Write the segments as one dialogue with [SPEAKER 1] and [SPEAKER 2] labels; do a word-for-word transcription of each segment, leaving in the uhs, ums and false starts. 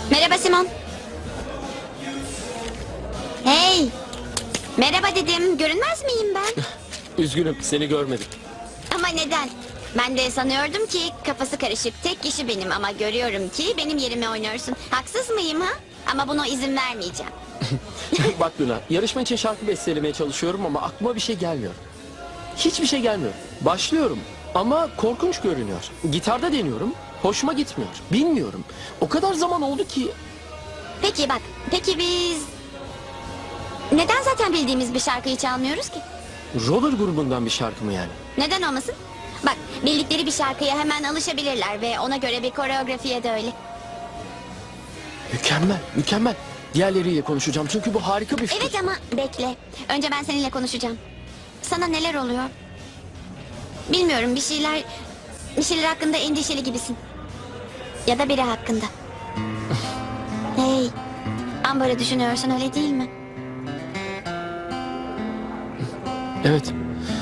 [SPEAKER 1] Merhaba Simon. Hey. Merhaba dedim. Görünmez miyim ben?
[SPEAKER 2] Üzgünüm, seni görmedim.
[SPEAKER 1] Ama neden? Ben de sanıyordum ki kafası karışık tek kişi benim ama görüyorum ki benim yerime oynuyorsun. Haksız mıyım ha? Ama buna izin vermeyeceğim.
[SPEAKER 2] Bak Luna, yarışma için şarkı bestelemeye çalışıyorum ama aklıma bir şey gelmiyor. Hiçbir şey gelmiyor. Başlıyorum ama korkunç görünüyor. Gitarda deniyorum, hoşuma gitmiyor. Bilmiyorum. O kadar zaman oldu ki...
[SPEAKER 1] Peki bak, peki biz... Neden zaten bildiğimiz bir şarkıyı çalmıyoruz ki?
[SPEAKER 2] Roller grubundan bir şarkı mı yani?
[SPEAKER 1] Neden olmasın? Bak, bildikleri bir şarkıya hemen alışabilirler ve ona göre bir koreografiye de öyle.
[SPEAKER 2] Mükemmel, mükemmel. Diğerleriyle konuşacağım çünkü bu harika bir fikir.
[SPEAKER 1] Evet ama bekle. Önce ben seninle konuşacağım. Sana neler oluyor? Bilmiyorum, bir şeyler... Bir şeyler hakkında endişeli gibisin. Ya da biri hakkında. Hey, Amber'ı düşünüyorsun öyle değil mi?
[SPEAKER 2] Evet.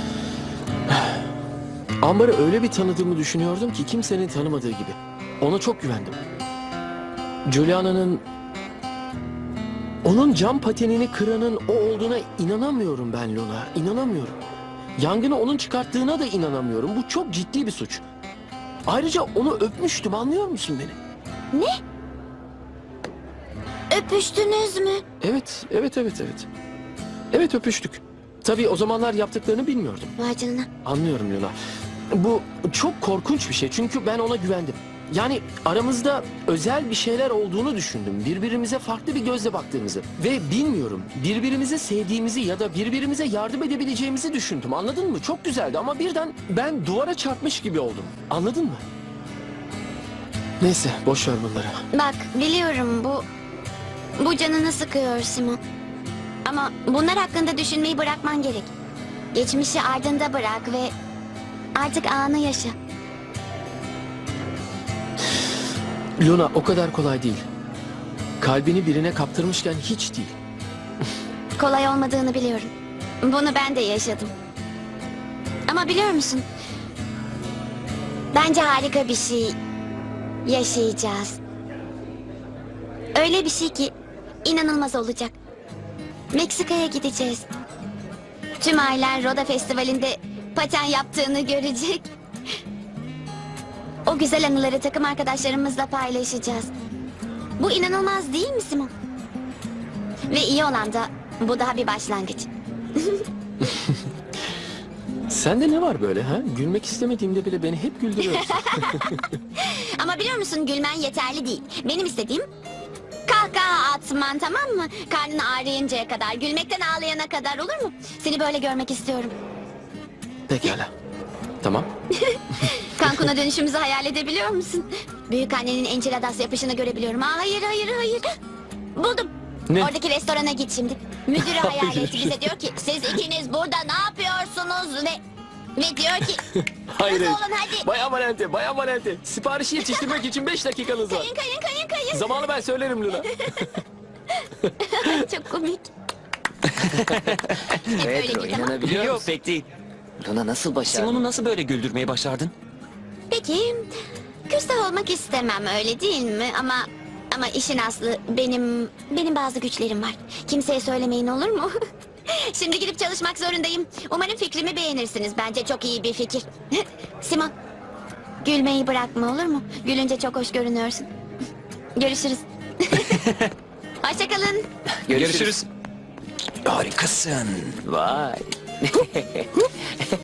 [SPEAKER 2] Amber'ı öyle bir tanıdığımı düşünüyordum ki kimsenin tanımadığı gibi. Ona çok güvendim. Juliana'nın... Onun cam patenini kıranın o olduğuna inanamıyorum ben Luna. İnanamıyorum. Yangını onun çıkarttığına da inanamıyorum. Bu çok ciddi bir suç. Ayrıca onu öpmüştüm, anlıyor musun beni?
[SPEAKER 1] Ne? Öpüştünüz mü?
[SPEAKER 2] Evet, evet, evet, evet. Evet, öpüştük. Tabii o zamanlar yaptıklarını bilmiyordum.
[SPEAKER 1] Vay canına.
[SPEAKER 2] Anlıyorum Luna. Bu çok korkunç bir şey çünkü ben ona güvendim. Yani aramızda özel bir şeyler olduğunu düşündüm. Birbirimize farklı bir gözle baktığımızı. Ve bilmiyorum, birbirimizi sevdiğimizi ya da birbirimize yardım edebileceğimizi düşündüm. Anladın mı? Çok güzeldi ama birden ben duvara çarpmış gibi oldum. Anladın mı? Neyse, boş ver bunları.
[SPEAKER 1] Bak, biliyorum bu... Bu canını sıkıyor Simon. Ama bunlar hakkında düşünmeyi bırakman gerek. Geçmişi ardında bırak ve... Artık anı yaşa.
[SPEAKER 2] Luna, o kadar kolay değil. Kalbini birine kaptırmışken hiç değil.
[SPEAKER 1] Kolay olmadığını biliyorum. Bunu ben de yaşadım. Ama biliyor musun? Bence harika bir şey yaşayacağız. Öyle bir şey ki inanılmaz olacak. Meksika'ya gideceğiz. Tüm ailen Roda Festivali'nde paten yaptığını görecek. O güzel anıları takım arkadaşlarımızla paylaşacağız. Bu inanılmaz değil mi Simon? Ve iyi olan da bu daha bir başlangıç.
[SPEAKER 2] Sende ne var böyle ha? Gülmek istemediğimde bile beni hep güldürüyorsun.
[SPEAKER 1] Ama biliyor musun gülmen yeterli değil. Benim istediğim kahkaha atman, tamam mı? Karnın ağrıyıncaya kadar, gülmekten ağlayana kadar, olur mu? Seni böyle görmek istiyorum.
[SPEAKER 2] Pekala. Tamam.
[SPEAKER 1] Cancun'a dönüşümüzü hayal edebiliyor musun? Büyük annenin enchiladas yapışını görebiliyorum. Aa, hayır hayır hayır. Buldum.
[SPEAKER 2] Ne?
[SPEAKER 1] Oradaki restorana git şimdi. Müdürü hayal
[SPEAKER 2] Hayır.
[SPEAKER 1] et. Bize diyor ki siz ikiniz burada ne yapıyorsunuz ve... Ve diyor ki
[SPEAKER 2] Hayır.
[SPEAKER 1] hızlı
[SPEAKER 2] hayır.
[SPEAKER 1] olun hadi.
[SPEAKER 2] Bayan Valente, Bayan Valente. Siparişi yetiştirmek için beş dakikanız var.
[SPEAKER 1] Kayın kayın kayın kayın.
[SPEAKER 2] Zamanı ben söylerim Luna.
[SPEAKER 1] Çok komik. Hep böyle
[SPEAKER 3] Pedro
[SPEAKER 1] git ama.
[SPEAKER 3] inanabiliyor
[SPEAKER 4] Yok
[SPEAKER 3] musun?
[SPEAKER 4] pek değil.
[SPEAKER 3] Luna nasıl başardın?
[SPEAKER 4] Simon'u nasıl böyle güldürmeyi başardın?
[SPEAKER 1] Peki küstah olmak istemem öyle değil mi? Ama ama işin aslı benim benim bazı güçlerim var. Kimseye söylemeyin olur mu? Şimdi gidip çalışmak zorundayım. Umarım fikrimi beğenirsiniz. Bence çok iyi bir fikir. Simon, gülmeyi bırakma olur mu? Gülünce çok hoş görünüyorsun. Görüşürüz. Hoşçakalın.
[SPEAKER 3] Görüşürüz. Harikasın. Vay.